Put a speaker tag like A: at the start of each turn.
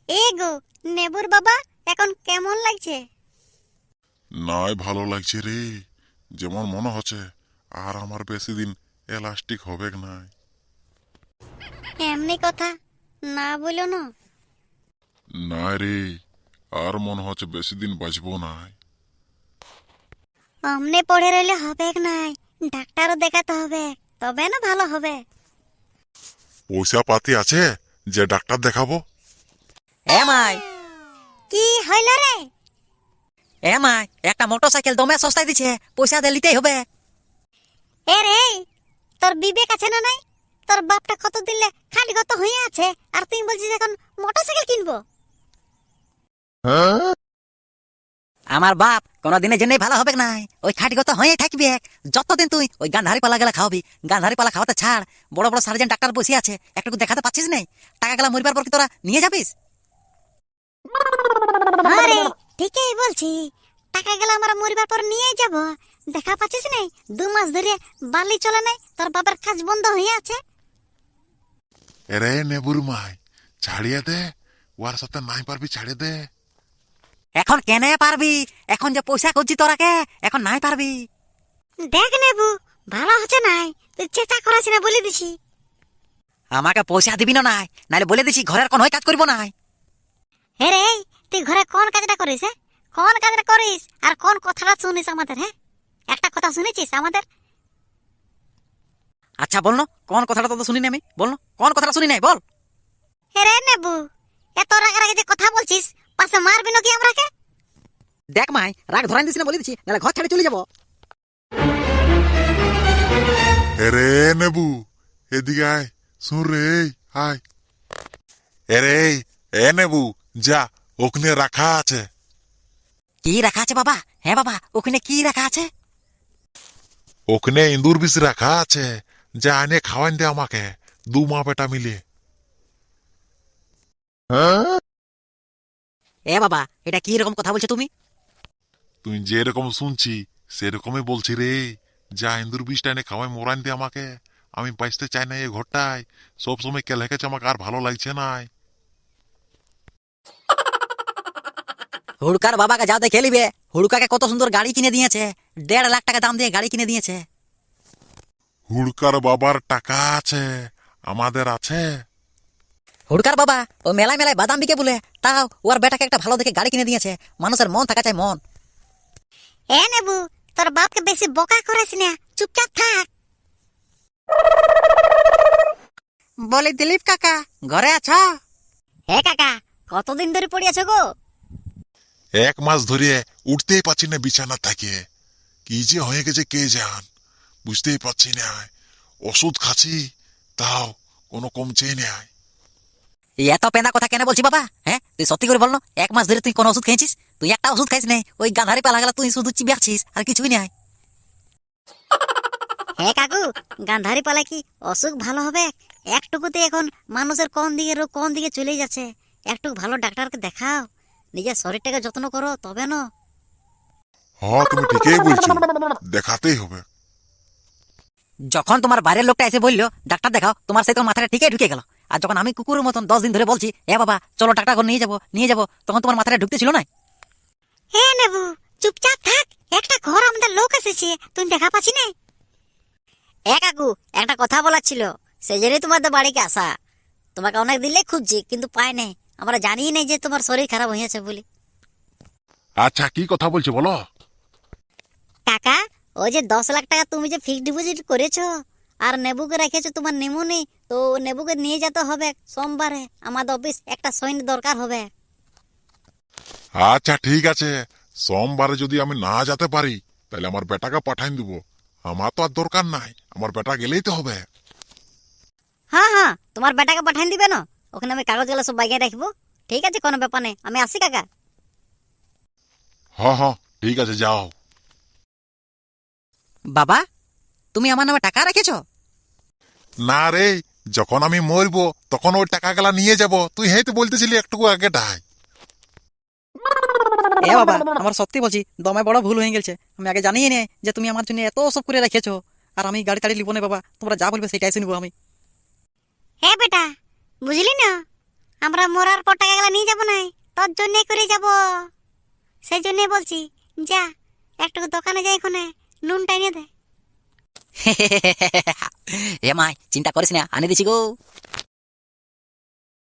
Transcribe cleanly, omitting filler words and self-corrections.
A: এ গো, নেবুর বাবা এখন কেমন লাগছে?
B: নাই ভালো লাগছে রে। যেমন মনে হচ্ছে আর আমার বেশি দিন এলাস্টিক হবে নাই।
A: এমনি কথা না বলো না।
B: না রে, আর মনে হচ্ছে বেশি দিন বাঁচবো নাই।
A: অমনে পড়ে রইলে হবে নাই, ডাক্তারও দেখাতে হবে, তবে না ভালো হবে।
B: পয়সা পাতি আছে যে ডাক্তার দেখাবো?
C: এ মাই
A: কি হইল রে?
C: এ মাই একটা মোটরসাইকেল দমে সস্তায় দিছে, পয়সা দিয়ে নিতেই হবে।
A: এ রে, তোর বিবেক আছে না নাই? তোর বাপটা কত দিলে খালি কত হয়ে আছে, আর তুই বলছিস এখন মোটরসাইকেল কিনবো?
C: আমার বাপ কোনদিনের জন্যই ভালো হবে নাই, ওই খাটিগত হয়ে থাকবি। যতদিন তুই ওই গান্ধারি পালা গেলা খাওয়াবি, গান্ধারি পালা খাওয়াতে ছাড়। বড় বড় সার্জেন্ট ডাক্তার বসে আছে, একটু দেখাতে পাচ্ছিস নাই? টাকা গেলা মরিবার পর কি তোরা নিয়ে যাবিস?
A: আরে ঠিকই বলছি, টাকা গেলে আমরা মরিবার পর নিয়ে যাব। দেখা পাচ্ছিস নাই 2 মাস ধরে বালি চলে নাই, তোর বাবার কাজ বন্ধ হয়ে আছে।
B: এরে নেবুর মাই, ছাড়িয়ে দে। ওর সাথে নাই পারবি, ছাড়িয়ে দে।
C: এখন কেনে পারবি? এখন যে পয়সা করছি তোরাকে, এখন নাই পারবি।
A: দেখ নেবু, ভালো হচ্ছে নাই, তুই চেষ্টা করাস না বলে দিছি।
C: আমাকে পয়সা দিবি না নাই, নাহলে বলে দিছি ঘরের কোন কাজ করবো নাই।
A: হে রে, তুই ঘরে কোন কাজটা করিস? হ্যাঁ, কোন কাজটা করিস আর কোন কথাটা শুনিস আমাদের? হ্যাঁ, একটা কথা শুনেছিস আমাদের?
C: আচ্ছা বল না, কোন কথাটা তো শুনি নাই আমি, বল না কোন কথাটা শুনি নাই, বল।
A: হে রে নেবু, এত রাগারাগি যে কথা বলছিস, পাশে মারবি নাকি আমরাকে?
C: দেখ মাই, রাগ ধরাই দিস না বলে দিছি, নাহলে ঘর ছেড়ে চলে যাবো।
B: এরে নেবু, এদিকে আয়। শুন রে, আয়। এরে এ নেবু, যা, ওখানে রাখা আছে।
C: কি রাখা আছে বাবা? হ্যাঁ বাবা, ওখানে কি রাখা আছে?
B: ওখানে ইন্দুর বিষ রাখা আছে, যা এনে খাওয়ান দে আমাকে, 2 মা বেটা মিলে।
C: এ বাবা, এটা কি রকম কথা বলছো তুমি?
B: তুই যেরকম শুনছি সেরকমই বলছি রে। যা ইন্দুর বিষটা এনে খাওয়াই মোরান দে আমাকে। আমি বাঁচতে চাই না এই ঘরটায়। সবসময় কেলে গেছে, আমাকে আর ভালো লাগছে নাই।
C: হুড়কার বাবাকে যাও দেখে নিবে, হুড়কাকে কত সুন্দর গাড়ি কিনে দিয়েছে, 1.5 লাখ টাকা দাম দিয়ে গাড়ি কিনে দিয়েছে।
B: হুড়কার বাবার টাকা আছে, আমাদের আছে?
C: হুড়কার বাবা ও মেলায় মেলায় বাদাম বিকে বলে, তাও ওর বেটাকে একটা ভালো দেখে গাড়ি কিনে দিয়েছে। মানুষের মন থাকা চাই, মন।
A: এ নেবু, তোর বাপকে বেশি বোকা করিস না, চুপচাপ থাক।
C: বলি দিলীপ কাকা, ঘরে আছো?
A: হে কাকা, কতদিন ধরে পড়ে আছো গো?
B: 1 মাস ধরে উঠতেই পারছি না বিছানা থেকে। কি যে হয়ে গেছে কে জান, বুঝতেই পারছি না। ওষুধ খাচ্ছি, তাও কোনো কমছেই না।
C: এত পেঁদা কথা কেন বলছি বাবা? হ্যাঁ, তুই সত্যি করে বল না, 1 মাস ধরে তুই কোন ওষুধ খেয়েছিস? তুই একটা ওষুধ খাইস নাই, ওই গাধারি পালা গেলা তুই শুধু চিবিয়াছিস, আর কিছুই নাই।
A: হে কাকু, গান্ধারি পালা কি অসুখ ভালো হবে? একটুকুতে এখন মানুষের কোন দিকে রোগ কোন দিকে চলে যাচ্ছে। একটু ভালো ডাক্তারকে দেখাও, নিজের শরীরটাকে যত্ন করো, তবে না।
B: হ্যাঁ, তুমি ঠিকই বলছো, দেখাতেই হবে।
C: যখন তোমার বাইরের লোকটা এসে বললো ডাক্তার দেখাও, তোমার সেই তোমার মাথাটা ঠিকই ঢুকে গেল। আর যখন আমি কুকুরের মতন 10 দিন ধরে বলছি এ বাবা চলো ডাক্তার ঘর নিয়ে যাবো নিয়ে যাবো, তখন তোমার মাথাটা ঢুকতে ছিল না।
A: হে নেবু, চুপচাপ থাক, একটা ঘর আমাদের লোক এসেছে, তুমি দেখা পাচ্ছি না? এ কাকু, একটা কথা বলার ছিল, সেই জন্যই তোমাদের বাড়িতে আসা। তোমাকে অনেক দিলে খুঁজছি, কিন্তু পাই নাই। আমরা জানি নাই যে তোমার শরীর খারাপ হয়েছে বলে।
B: আচ্ছা, কি কথা বলছো বলো।
A: কাকা, ওই যে 10 লাখ টাকা তুমি যে ফিক্সড ডিপোজিট করেছো আর নেবুকে রেখেছো তোমার নেমুনি, তো নেবুকে নিয়ে যেতে হবে সোমবারে আমাদের অফিস, একটা সৈন্য দরকার হবে।
B: আচ্ছা ঠিক আছে, সোমবারে যদি আমি না যেতে পারি তাহলে আমার বেটাকে পাঠাই দিব। আমার তো আর দরকার নাই, আমার বেটা গেলেই তো হবে।
A: হ্যাঁ হ্যাঁ, তোমার বেটাকে পাঠাই দিবে না? ওখানে আমি কাগজগুলো সব বাইকে রাখবো। ঠিক আছে, কোনো ব্যাপার নেই, আমি আসি কাকা।
B: হ্যাঁ হ্যাঁ, ঠিক আছে, যাও।
C: বাবা, তুমি আমার নামে টাকা রেখেছো?
B: না রে, যখন আমি মরবো তখন ওই টাকা গুলা নিয়ে যাব। তুই হেই তো বলতেছিলি একটু আগে ডাই।
C: এ বাবা, আমার সত্যি বলছি দমে বড় ভুল হয়ে গেছে। আমি আগে জানিয়ে নে যে তুমি আমার জন্য এত সব করে রেখেছো। আর আমি গাড়ি টাড়ি লিবো না বাবা, তোমরা যা বলবে সেটাই শুনবো আমি।
A: হ্যাঁ বেটা, বুঝলি না, আমরা মরার পর টাকাগুলো নিয়ে যাবো না, তোর জন্যই করে যাব। সেই জন্যই বলছি, যা একটু দোকানে যাই, এখানে নুনটা এনে দে।
C: এ মাই চিন্তা করিস না, আনি দিছি গো।